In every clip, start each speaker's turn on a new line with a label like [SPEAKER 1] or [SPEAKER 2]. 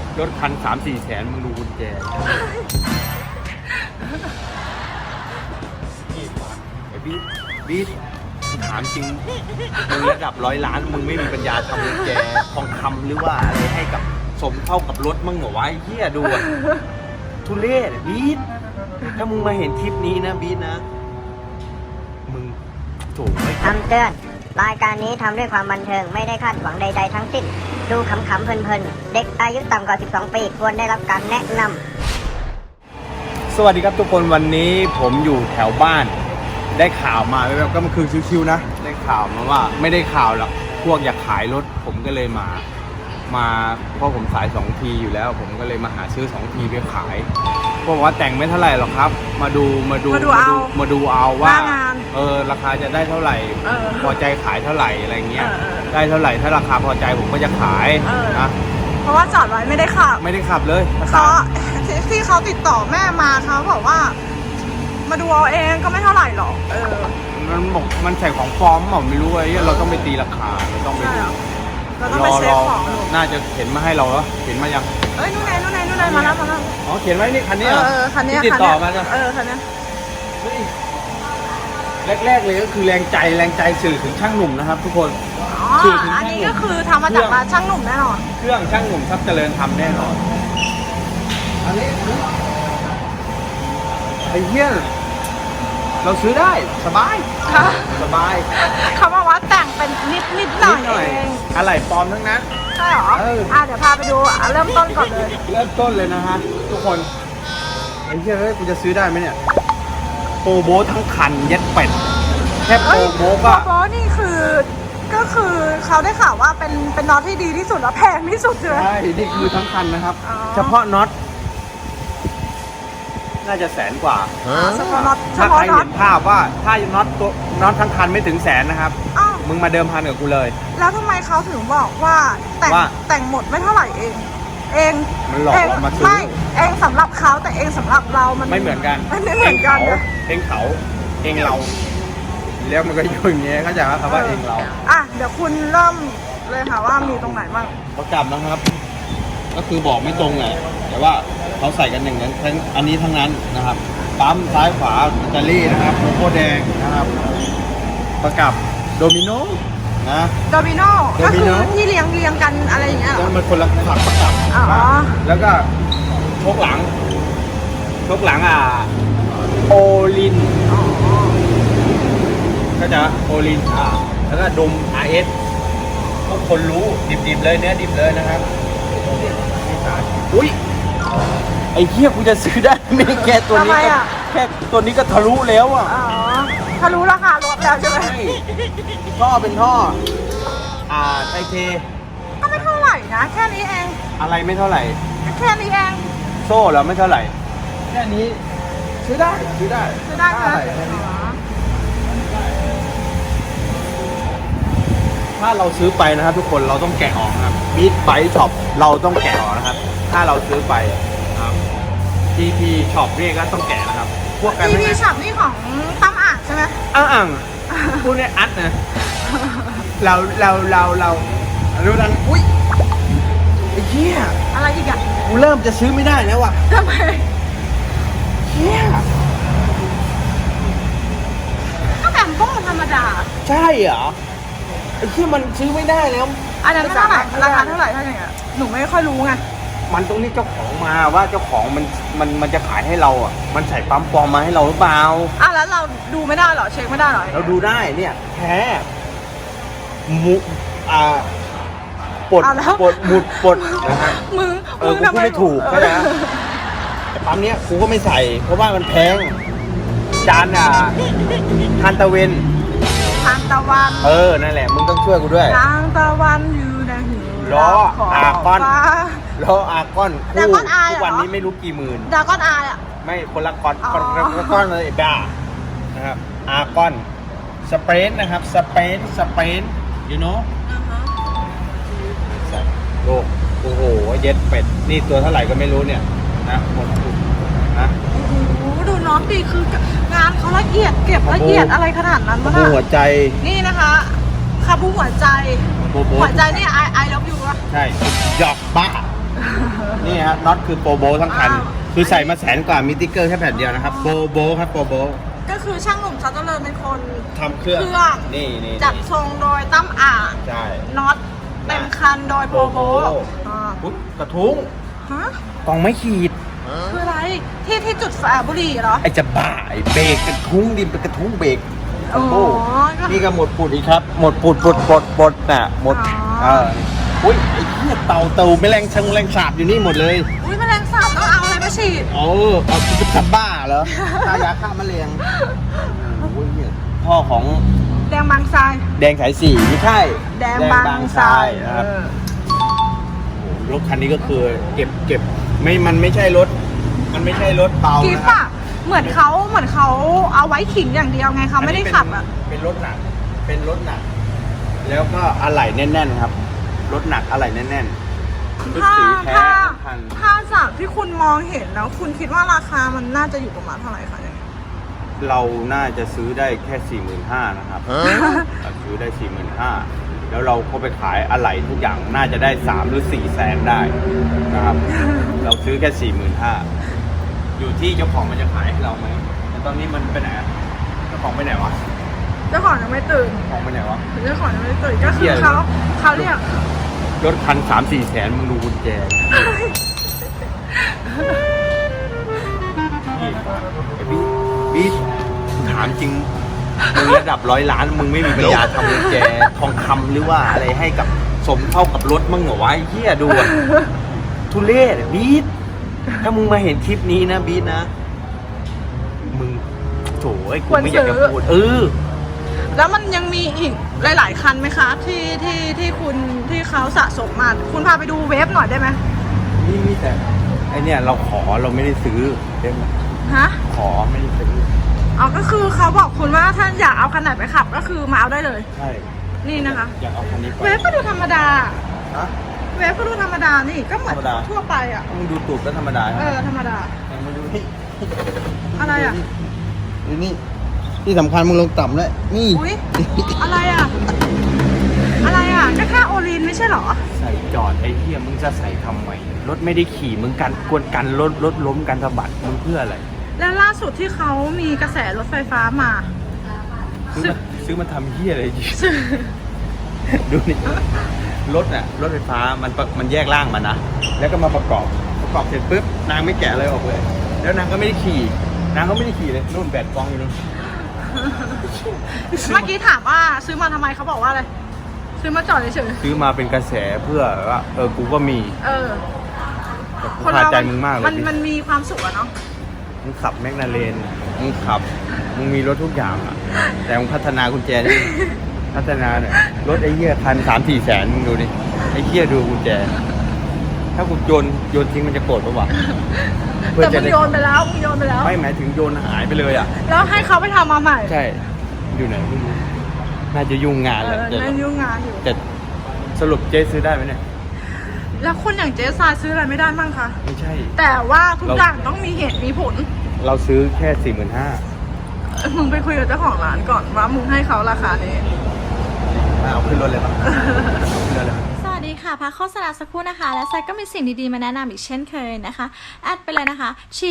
[SPEAKER 1] รถคัน3-4 แสนมึงดูกุญแจไอ้บีทถามจริงมึงระดับ100 ล้านมึงไม่มีปัญญาทำกุญแจทองคำหรือว่าอะไรให้กับสมเท่ากับรถมึงเหรอวะไอ้เหี้ยดูอะทุเรศบีทถ้ามึงมาเห็นคลิปนี้นะบีทนะมึงโถ่
[SPEAKER 2] คำเตือนรายการนี้ทำด้วยความบันเทิงไม่ได้คาดหวังใดๆทั้งสิ้นดูขำๆเพลินๆเด็กอายุต่ำกว่า12 ปีควรได้รับการแนะน
[SPEAKER 1] สวัสดีครับทุกคนวันนี้ผมอยู่แถวบ้านได้ข่าวมาแบบก็มันคือชิวๆนะได้ข่าวมาว่าไม่ได้ข่าวหรอกพวกอยากขายรถผมก็เลยมาเพราะผมสาย2 ทีอยู่แล้วผมก็เลยมาหาซื้อ2 ทีไปขายพวกว่าแต่งไม่เท่าไหร่หรอกครับมาดูเอาว่าราคาจะได้เท่าไหร่พอใจขายเท่าไหร่อะไรเงี้ยได้เท่าไหร่ถ้าราคาพอใจผมก็จะขายนะ
[SPEAKER 3] เพราะว่าจอดไว้ไม่ได้ขับ
[SPEAKER 1] เลย
[SPEAKER 3] เขาที่เขาติดต่อแม่มาเขาบอกว่ามาดูเอาเองก็ไม่เท่าไหร่หรอก
[SPEAKER 1] มันใส่ของปลอมไม่รู้ไอ้เราต้องไปตีราคาเราต้องไปดู
[SPEAKER 3] เราต้องไปเช็คของ
[SPEAKER 1] น่าจะเห็นมาให้เราเหรอเห็นมายัง
[SPEAKER 3] นู่นไงมาแล้ว
[SPEAKER 1] อ๋อเขียนไว้นี่คันนี้
[SPEAKER 3] คันนี้
[SPEAKER 1] ติดต่อมา
[SPEAKER 3] คันนี้
[SPEAKER 1] แรกเลยก็คือแรงใจสื่อถึงช่างหนุ่มนะครับทุกคน
[SPEAKER 3] อันนี้ก็คือทำมาจากร้านช่างหนุ่มแน่นอน
[SPEAKER 1] เครื่องช่างหนุ่มทรัพย์เจริญทำแน่นอนอันนี้ไอ้เหี้ยเราซื้อได้สบาย
[SPEAKER 3] เขาบอกว่าแต่งเป็นนิดหน่อยเอง
[SPEAKER 1] อะไรปลอมทั้งนั้น
[SPEAKER 3] ใช่หรอเดี๋ยวพาไปดูเริ่มต้นก่อนเลย
[SPEAKER 1] เริ่มต้นเลยนะฮะทุกคนไอ้เหี้ยกูจะซื้อได้ไหมเนี่ยโปรโบทั้งคันเย็ดเป็ดแค่โปรโบ
[SPEAKER 3] นี่ก็คือเขาได้ข่าวว่าเป็นน็อตที่ดีที่สุดและแพงที่สุดเลย
[SPEAKER 1] ใช่นี่คือทั้งคันนะครับเฉพาะน็อตน่าจะ100,000 กว่าถ้าใครเห็นภาพว่าถ้าน็อตทั้งคันไม่ถึง100,000นะครับมึงมาเดิมพันกับกูเลย
[SPEAKER 3] แล้วทำไมเขาถึงบอกว่าแต่งหมดไม่เท่าไหร่เอง
[SPEAKER 1] มันหลอกเรามาซื้อ
[SPEAKER 3] ไม่เองสำหรับเขาแต่เองสำหรับเรามัน
[SPEAKER 1] ไม่เหมือนกัน
[SPEAKER 3] เองเขา
[SPEAKER 1] เองเราแล้วมันก็อยู่อย่างเงี้ยเข้าใจไหมครับว่าเองเรา
[SPEAKER 3] เดี๋ยวคุณเริ่มเลยค่ะว่ามีตรงไหนบ้าง
[SPEAKER 1] เขาจับนะครับก็คือบอกไม่ตรงไงแต่ว่าเขาใส่กันอย่างนั้นทั้งอันนี้ทั้งนั้นนะครับปั๊มซ้ายขวาอิตาลีนะครับโลโก้แดงนะครับประกับโดมิโนนะ
[SPEAKER 3] โดมิโนก็คือที่เรียงกันอะไรอย่างเงี้ย
[SPEAKER 1] มันคนละขับประกับแล้วก็ชกหลังโอลินก็จะโอลินแล้วก็ดม RS ทุกคนรู้ดิบเลยเนื้อดิบเลยนะครับอุ้ยไอ้เหี้ยกูจะซื้อได้ไม่แค่ตัวนี้แค่ตัวนี้ก็ทะลุแล้ว
[SPEAKER 3] ทะลุราคารถแล้วใช่ไหม
[SPEAKER 1] ท่อเป็นท่อไทเท
[SPEAKER 3] ก็ไม่เท่าไหร่นะแค่นี้เอง
[SPEAKER 1] อะไรไม่เท่าไหร่
[SPEAKER 3] แค่นี้เอง
[SPEAKER 1] โซ่แล้วไม่เท่าไหร่แค่นี้ซื้อได้ถ้าเราซื้อไปนะครับทุกคนเราต้องแกะออกครับบีทไบช็อปเราต้องแกะออกนะครับถ้าเราซื้อไปครับ TP ช็อปนี่ก็ต้องแกะนะครับ
[SPEAKER 3] พวกกัน TP ช็อปนี่ของตั้มอ่างใช่ไหม
[SPEAKER 1] พูดเนี่ยอัดนะเราดูนั้นอุ้ยไอ้เหี้ย
[SPEAKER 3] อะไรอีกอ่ะ
[SPEAKER 1] กูเริ่มจะซื้อไม่ได้แล้วว่ะ
[SPEAKER 3] ทำไม
[SPEAKER 1] เหี้ย
[SPEAKER 3] ก็แบบพวกธรรมดา
[SPEAKER 1] ใช่เหรอไอ้ที่มันซื้อไม่ได้แล้ว
[SPEAKER 3] อันนั้นเท่าไหร่ราคาเท่าไหร่ถ้าอย่างเงี้ยหนูไม่ค่อยรู้ไง
[SPEAKER 1] มันต้องเรียกเจ้าของมาว่าเจ้าของมันจะขายให้เรามันใส่ปั๊มปลอมมาให้เราหรือเปล่า
[SPEAKER 3] แล้วเราดูไม่ได้เหรอเช็คไม่ได้เหรอ
[SPEAKER 1] เราดูได้เนี่ยแท้ปลดนะฮะ
[SPEAKER 3] มึง
[SPEAKER 1] กูไม่ถูกใช่ไหมแต่ปั๊มเนี้ยกูก็ไม่ใส่เพราะว่ามันแพงจานทานตะเวนนั่นแหละมึงต้องช่วยกูด้วย
[SPEAKER 3] ทางตะวันอยู่ในหิว
[SPEAKER 1] ล้ออาก้อนทุกวันนี้ไม่รู้กี่หมื่น
[SPEAKER 3] ดาก้อน
[SPEAKER 1] ไม่คนละก้อนเลยบ้านะครับอาก้อนสเปนนะครับสเปนyou know โอ้โหเย็ดเป็ดนี่ตัวเท่าไหร่ก็ไม่รู้เนี่ยนะหมดนะ
[SPEAKER 3] ดูน้องดีคืองานเขาละเอียดเก็บละเอียดอะไรขนาดนั้นวะ
[SPEAKER 1] หัวใจ
[SPEAKER 3] นี่นะคะคาบูหัวใจนี่ไอlove you
[SPEAKER 1] ใช่หยอกบ้านี่ฮะน็อตคือโปรโบทั้งคัน คือใส่มา100,000 กว่ามีติ๊กเกอร์แค่แผ่นเดียวนะครับโปรโบครับโปรโบ
[SPEAKER 3] ก็คือช่างหนุ่มซัตเตอร์เลอร์เป็นคน
[SPEAKER 1] ทำเครื่องนี่
[SPEAKER 3] จัดทรงโดยตั้มอ่าง
[SPEAKER 1] ใช่
[SPEAKER 3] น็อตเต็มคันโดยโปรโบอ่า
[SPEAKER 1] อุ๊ยกระทุ้ง
[SPEAKER 3] ฮะ
[SPEAKER 1] กล่องไม่ขีด
[SPEAKER 3] คืออะไรที่จุดฝาบุหรี่เหรอ
[SPEAKER 1] ไอจะบ้าไอเบรกกระทุ้งดินเป็นกระทุ้งเบรก
[SPEAKER 3] อ๋อ
[SPEAKER 1] โอ้นี่ก็หมดปุดอีกครับ หมดปุดปดน่ะหมด
[SPEAKER 3] อ๋อ
[SPEAKER 1] อุ้ยไอ้เหี้ยเต่าแมลงชังแมลงสาบอยู่นี่หมดเลย
[SPEAKER 3] อุ้ยแมลงสาบต้องเอาอะไรมาฉีด
[SPEAKER 1] เอาจะขับบ้าเหรอฆ่ายาฆ่าแมลงโอ้ยเนี่ยพ่อของ
[SPEAKER 3] แดงบางทราย
[SPEAKER 1] แดงสายสี่ไม่ใช่
[SPEAKER 3] แดงบางทราย
[SPEAKER 1] นะครับรถคันนี้ก็คือเก็บไม่มันไม่ใช่รถ มันไม่ใช่รถเบา
[SPEAKER 3] กิ๊บ
[SPEAKER 1] นะครั
[SPEAKER 3] อะ
[SPEAKER 1] บ
[SPEAKER 3] เหมือนเขาเอาไว้ขิงอย่างเดียวไงเขาไม่ได้ขับอะ
[SPEAKER 1] เป็นรถหนัก เป็นรถหนัก แล้วก็อะไหล่แน่นๆครับ รถหนักอะไหล่แน่นๆชุดสีแท้ทั้งคัน
[SPEAKER 3] ถ้าจากที่คุณมองเห็นแล้ว คุณคิดว่าราคามันน่าจะอยู่ประมาณเท่าไหร่คะเนี่ย
[SPEAKER 1] เราน่าจะซื้อได้แค่ 45,000 นะครับเราซื้อได้ 45,000 แล้วเราก็ไปขายอะไหล่ทุกอย่างน่าจะได้3หรือ4แสนได้นะครับ เราซื้อแค่ 45,000 อยู่ที่เจ้าของมันจะขายให้เราไหมแต่ตอนนี้มันไปไหนอะเจ้าของไปไหนวะ
[SPEAKER 3] เจ้าของยังไม่ตื่น
[SPEAKER 1] เจ้าของไปไหนวะ
[SPEAKER 3] เจ้าของยังไม่ตื่นก็
[SPEAKER 1] เหี้
[SPEAKER 3] คือย เขาเรียก
[SPEAKER 1] รถคัน3-4แสนมึงดูกุญแจนี่ไอ้บีทถามจริงมึงระดับ100 ล้านมึงไม่มีปัญญาทำกุญแจทองคำหรือว่าอะไรให้กับสมเท่ากับรถมึงเหรอวะไอ้เหี้ยดูอะทุเรศบีทถ้ามึงมาเห็นคลิปนี้นะบีทนะมึงโถไอ้กูไม่อยากจะพูด
[SPEAKER 3] แล้วมันยังมีอีกหลายๆคันไหมคะที่คุณที่เขาสะสมมาคุณพาไปดูเวฟหน่อยได้ไหม
[SPEAKER 1] นี่แต่ไอเนี่ยเราไม่ได้ซื้อเด้ไหม
[SPEAKER 3] ฮะ
[SPEAKER 1] ขอไม่ได้ซื้อ
[SPEAKER 3] อ๋อก็คือเขาบอกคุณว่าถ้าอยากเอาคันไหนไปขับก็คือมาเอาได้เลย
[SPEAKER 1] ใช่
[SPEAKER 3] นี่นะคะ
[SPEAKER 1] อยากเอาคันนี้ไป
[SPEAKER 3] เวฟก็ดูธรรมดา
[SPEAKER 1] ฮะ
[SPEAKER 3] เวฟก็ดูธรรมดานี่ก็เหมือน
[SPEAKER 1] ธรรมดา
[SPEAKER 3] ทั่วไปอ่ะ
[SPEAKER 1] มึงดูตูดก็ธรรมดา
[SPEAKER 3] ธรรมดา
[SPEAKER 1] แต่มาดูนี่
[SPEAKER 3] อะไรอ่ะ
[SPEAKER 1] ดูนี่ที่สำคัญมึงลงต่ำด้วยนี่
[SPEAKER 3] อุ้ยอะไรอ่ะ อะไรอ่ะก็แค่โอลินไม่ใช่เหรอ
[SPEAKER 1] ใส่จอดไอ้เหี้ยมึงจะใส่ทำไมรถไม่ได้ขี่มึงกันกวนกันรถล้มกันสะบัดมึงเพื่ออะไร
[SPEAKER 3] แล้วล่าสุดที่เขามีกระแสรถไฟฟ้ามา
[SPEAKER 1] ซื้อมาทำเหี้ยอะไรดูนี่รถน่ะรถไฟฟ้ามันแยกร่างมานะแล้วก็มาประกอบเสร็จปุ๊บนางไม่แกะอะไรออกเลย แล้วนางก็ไม่ได้ขี่เลยนู่นแบตกองอยู่นู่น
[SPEAKER 3] เมื่อกี้ถามว่าซื้อมาทำไมเขาบอกว่าอะไร ซื้อมาจอดเฉย
[SPEAKER 1] ซื้อมาเป็นกระแสเพื่อว่ากูก็มี
[SPEAKER 3] ๆ
[SPEAKER 1] แต่กูพาใจมึงมากเลย
[SPEAKER 3] มันมีความสุขอะเนาะ
[SPEAKER 1] มึงขับแมกนาเรนมึงมีรถทุกอย่างอ่ะแต่มึงพัฒนากุญแจนี่พัฒนาเนี่ยรถไอ้เหี้ยคัน3-4แสนมึงดูดิไอ้เหี้ยดูกุญแจ ถ้ากูโยนทิ้งมันจะโกรธปะวะ
[SPEAKER 3] แต่มึงโยนไปแล้ว
[SPEAKER 1] ไม่หมายถึงโยนหายไปเลยอ่ะ
[SPEAKER 3] แล้วให้เขาไปทำมาใหม่
[SPEAKER 1] ใช่ อยู่ไหนไม่รู้น่าจะยุ่งงานแหละ
[SPEAKER 3] นั่นยุ่งงานอยู่
[SPEAKER 1] แต่สรุปเจ๊ซื้อได้ไหมเนี่ย
[SPEAKER 3] แล้วคนอย่างเจ๊ซายซื้ออะไรไม่ได้มั่งคะ
[SPEAKER 1] ไม่ใช่
[SPEAKER 3] แต่ว่าทุกอย่างต้องมีเหตุมีผล
[SPEAKER 1] เราซื้อแค่ 45,000
[SPEAKER 3] มึงไปคุยกับเจ้าของร้านก่อนว่ามึงให้เขาราคานี้
[SPEAKER 1] เอาขึ้นรถเลยปะเอาขึ้นรถเลยปะ
[SPEAKER 4] สวัสดีค่ะพักโฆษณาสักครู่นะคะ และไซก็มีสิ่งดีๆมาแนะนำอีกเช่นเคยนะคะ แอดไปเลยนะคะ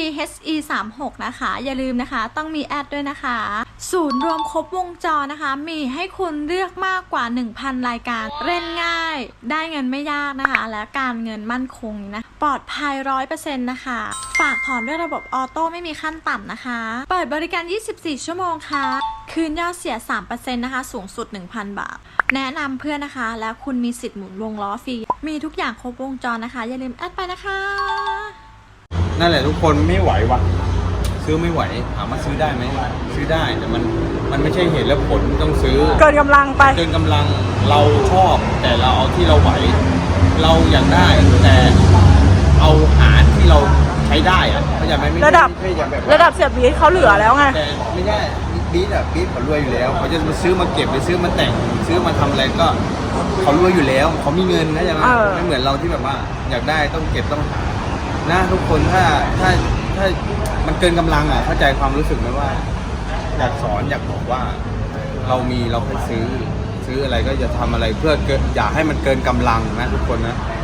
[SPEAKER 4] CHE36 นะคะ อย่าลืมนะคะ ต้องมีแอดด้วยนะคะ ศูนย์รวมครบวงจรนะคะ มีให้คุณเลือกมากกว่า 1,000 รายการเล่นง่าย ได้เงินไม่ยากนะคะ และการเงินมั่นคงนะปลอดภัย 100% นะคะ ฝากถอนด้วยระบบออโต้ไม่มีขั้นต่ำนะคะ เปิดบริการ 24 ชั่วโมงค่ะ คืนยอดเสีย 3% นะคะ สูงสุด 1,000 บาท แนะนำเพื่อนนะคะ แล้วคุณมีสิทธิ์หมุนวงล้อฟรี มีทุกอย่างครบวงจรนะคะ อย่าลืมแอดไปนะคะ
[SPEAKER 1] นั่นแหละทุกคนไม่ไหวว่ะซื้อไม่ไหวถามว่าซื้อได้ไหมซื้อได้แต่มันไม่ใช่เหตุและผลต้องซื้อ
[SPEAKER 3] เกินกำลังไป
[SPEAKER 1] เกินกำลังเราชอบแต่เราเอาที่เราไหว เราอยากได้แต่เอาหาที่เราใช้ได้อะเข้าใจไหมไม่ใช่
[SPEAKER 3] ระดับ
[SPEAKER 1] ไม่ใช่อย่างแบบ
[SPEAKER 3] ระดับเสียบีเขาเหลือแล้วไง
[SPEAKER 1] แต่ไม่ใช่บีทเขารวยอยู่แล้วเขาจะมาซื้อมาเก็บหรือซื้อมาแต่งซื้อมาทำอะไรก็เขารวยอยู่แล้วเขามีเงินนะใช่ไหมไม่เหมือนเราที่แบบว่าอยากได้ต้องเก็บต้องหานะทุกคนถ้ามันเกินกำลังอ่ะเข้าใจความรู้สึกไหมว่า อยากสอนอยากบอกว่าเรามีเราไปซื้ออะไรก็อย่าทำอะไรเพื่ออย่าให้มันเกินกำลังนะทุกคนนะ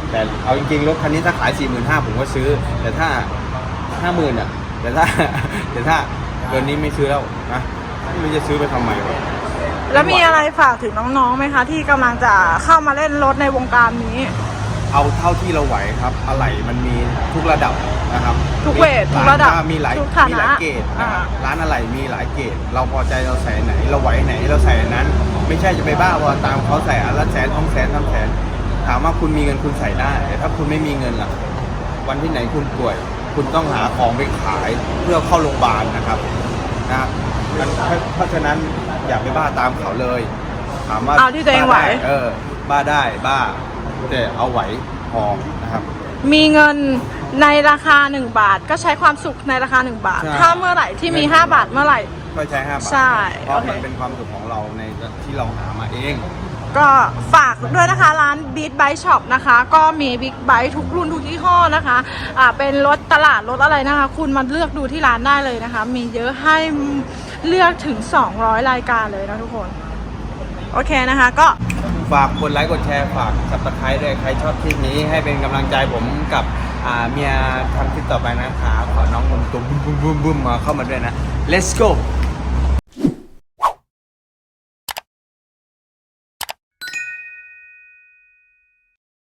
[SPEAKER 1] แต่เอาจริงๆรถคันนี้ถ้าขาย 45,000ผมก็ซื้อแต่ถ้า 50,000อ่ะแต่ถ้าเกินนี้ไม่ซื้อแล้วนะไม่รู้จะซื้อไปทำไมวะ
[SPEAKER 3] แล้วมีอะไรฝากถึงน้องๆไหมคะ ที่กำลังจะเข้ามาเล่นรถในวงการนี้
[SPEAKER 1] เอาเท่าที่เราไหวครับอะไหล่มันมีทุกระดับนะครับ
[SPEAKER 3] ทุกเวททุกระดับ
[SPEAKER 1] มีหลาย
[SPEAKER 3] ทุกฐานะ
[SPEAKER 1] มีหลายเกรดนะครับร้านอะไหล่มีหลายเกรดเราพอใจเราใส่ไหน เราไหวไหนเราใส่อันนั้น ไม่ใช่จะไปบ้าว่าตามเขาใส่อันละ100,000 200,000 300,000ถามว่าคุณมีเงินคุณใส่ได้แต่ถ้าคุณไม่มีเงินล่ะวันที่ไหนคุณป่วย คุณต้องหาของไปขายเพื่อเข้าโรงพยาบาลนะครับเพราะฉะนั้นอย่าไปบ้าตามเขาเลยถามว่า
[SPEAKER 3] เอาที่ตัวเองไหว
[SPEAKER 1] บ้าได้บ้าแต่เอาไหวพอนะครับ
[SPEAKER 3] มีเงินในราคา1 บาท ก็ใช้ความสุขในราคา1 บาท
[SPEAKER 1] ใช่
[SPEAKER 3] ถ้าเมื่อไหร่ที่มี5 บาทเมื่อไหร่
[SPEAKER 1] ก็ใช้5 บาท
[SPEAKER 3] ใช่
[SPEAKER 1] เพราะ
[SPEAKER 3] โอเค
[SPEAKER 1] มันเป็นความสุขของเราในที่เราหามาเอง
[SPEAKER 3] ก็ฝากด้วยนะคะร้าน Beat Bike Shop นะคะ ก็มีบิ๊กไบค์ทุกรุ่นทุกยี่ห้อนะคะเป็นรถตลาดรถอะไรนะคะ คุณมาเลือกดูที่ร้านได้เลยนะคะ มีเยอะให้เลือกถึง200 รายการเลยนะทุกคน โอเคนะคะก็
[SPEAKER 1] ฝากกดไลค์กดแชร์ฝากสับสไครต์ด้วยใครชอบคลิปนี้ให้เป็นกำลังใจผมกับเมียทำคลิปต่อไปนะคะขอน้องตุ้มๆบึ้มๆมาเข้ามาด้วยนะ let's go